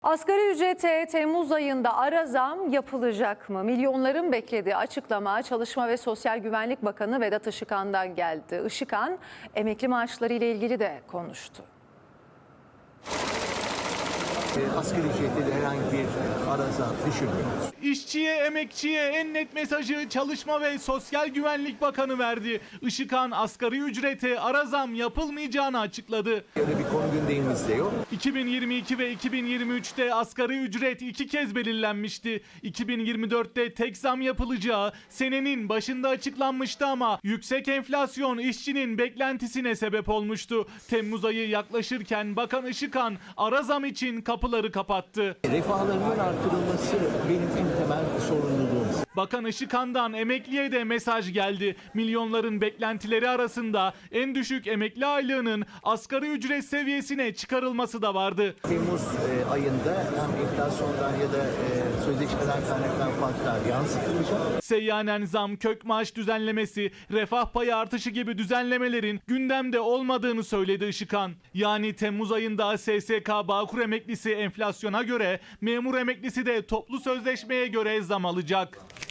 Asgari ücrete Temmuz ayında ara zam yapılacak mı? Milyonların beklediği açıklama Çalışma ve Sosyal Güvenlik Bakanı Vedat Işıkhan'dan geldi. Işıkhan emekli maaşları ile ilgili de konuştu. Asgari ücrette de herhangi bir ara zam düşünmüyoruz. İşçiye, emekçiye en net mesajı Çalışma ve Sosyal Güvenlik Bakanı verdi. Işıkhan asgari ücrete ara zam yapılmayacağını açıkladı. Öyle bir konu gündemimizde yok. 2022 ve 2023'te asgari ücret 2 kez belirlenmişti. 2024'te tek zam yapılacağı senenin başında açıklanmıştı ama yüksek enflasyon işçinin beklentisine sebep olmuştu. Temmuz ayı yaklaşırken Bakan Işıkhan ara zam için kapıları kapattı. Refahlarının artırılması benim en temel sorumluluğum. Bakan Işıkhan'dan emekliye de mesaj geldi. Milyonların beklentileri arasında en düşük emekli aylığının asgari ücret seviyesine çıkarılması da vardı. Temmuz ayında hem enflasyondan ya da sözleşmeden kaynaklanan farklar yansıtılacak. Seyyanen zam, kök maaş düzenlemesi, refah payı artışı gibi düzenlemelerin gündemde olmadığını söyledi Işıkhan. Yani Temmuz ayında SSK Bağkur emeklisi enflasyona göre, memur emeklisi de toplu sözleşmeye göre zam alacak.